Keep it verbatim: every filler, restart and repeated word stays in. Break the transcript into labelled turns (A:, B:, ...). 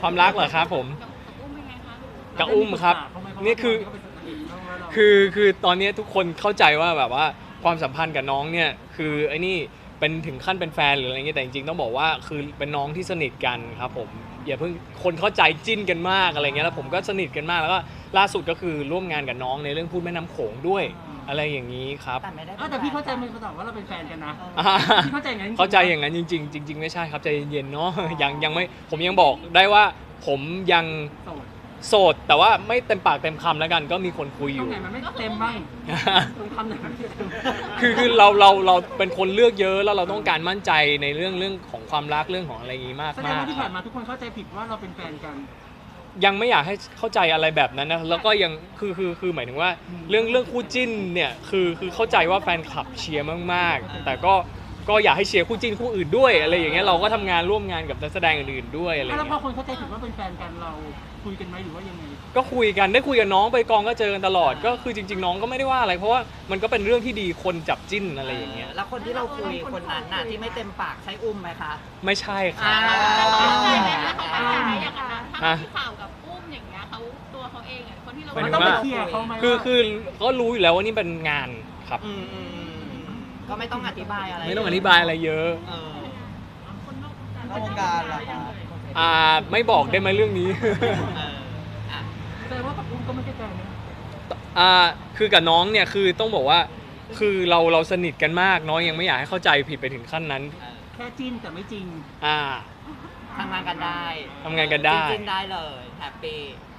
A: ความรักเหรอครับผม
B: กับอุ้มเป็นไงคะ
A: กับอุ้มครับนี่คือคือคือตอนนี้ทุกคนเข้าใจว่าแบบว่าความสัมพันธ์กับน้องเนี่ยคือไอ้นี่เป็นถึงขั้นเป็นแฟนหรืออะไรเงี้ยแต่จริงๆต้องบอกว่าคือเป็นน้องที่สนิทกันครับผมอย่าเพิ่งคนเข้าใจจิ้นกันมากอะไรเงี้ยแล้วผมก็สนิทกันมากแล้วก็ล่าสุดก็คือร่วมงานกับน้องในเรื่องพูดแม่น้ำโขงด้วยอะไรอย่างนี้ครับ
C: แต่ไม่ได้
B: อ้าวแต่พี่เข้าใจมันตอบว่าเราเป็นแฟนกันนะ
A: อ่า
B: พี่เข้าใจอย่างนั้นจริงๆ
A: เข้าใจอย่างนั้นจริงๆจริงๆไม่ใช่ครับใจเย็นๆเนาะ ยังยังไม่ผมยังบอกได้ว่าผมยัง
B: โสด
A: โสดแต่ว่าไม่เต็มปากเต็มคำแล้วกันก็มีคนคุยอ
B: ตรง
A: ยู่
B: ไหนมันไม่เต็มบ้างตรงคำไหนมันไม่เต็ม
A: คือคือเราเราเราเป็นคนเลือกเยอะแล้วเราต้องการมั่นใจในเรื่องเรื่องของความรักเรื่องของอะไรอย่างนี้มาก
B: แสดง
A: มาก
B: ว่าที่ผ่านมาทุกคนเข้าใจผิดว่าเราเป็นแฟนกัน
A: ยังไม่อยากให้เข้าใจอะไรแบบนั้นนะแล้วก็ยังคือคือคือหมายถึงว่าเรื่องเรื่องคู่จิ้นเนี่ยคือคือเข้าใจว่าแฟนคลับเชียร์มากๆแต่ก็ก็อยากให้เชียร์คู่จิ้นคู่อื่นด้วยอะไรอย่างเงี้ยเราก็ทำงานร่วมงานกับนักแสดงอื่นๆด้วยอะไรอย่าง
B: แล้วพอ
A: เงี้ย
B: คนเข้าใจผิดว่าเป็นแฟนกันเราคุยกันไหมหรือว่ายังไง
A: ก็คุยกันได้คุยกับน้องไปกองก็เจอกันตลอดก็คือจริงๆน้องก็ไม่ได้ว่าอะไรเพราะว่ามันก็เป็นเรื่องที่ดีคนจับจิ้นอะไรอย่างเงี้ย
C: แล้วคนที่เราคุยคนนั้นน่ะที่ไม่เต็มปากใช้อุ้มไหมคะ
A: ไม่ใช่ครับ
C: อ่า
D: ใช่ไหมคะเขาตั้งใจไหมอย่างนั้นนะถ้ามีข่าวกับอุ้มอย่างเงี้ยเขาตัวเขาเองอ่ะคนที่เรา
A: หมายถึง
B: ต้อง
A: ว่า
B: ไปเคลียร์เขาไหม
A: คือ
B: ว่า
A: คือก็รู้อยู่แล้วว่านี่เป็นงานครับ
C: อืมอืมอืมก็ไม่ต้องอธิบายอะไร
A: ไม่ต้องอธิบายอะไรเยอะ
C: เออ
D: คนนอกวงการ
C: นอกวงการเหรอคะ
A: อ่าไม่บอกได้ไหมเรื่องนี้
C: เอออ่ะ
B: แสดงว่ากับอุ้มก็ไม่ใช่แฟนนะ
A: อ่าคือกับน้องเนี่ยคือต้องบอกว่าคือเราเราสนิทกันมากน้องยังไม่อยากให้เข้าใจผิดไปถึงขั้นนั้น
C: เออ
B: แค่จิ้นแต่ไม่จริง
A: อ่า
C: ทำงานกันได้
A: ทำงานกันได้
C: จริงๆได้เลยแฮปปี้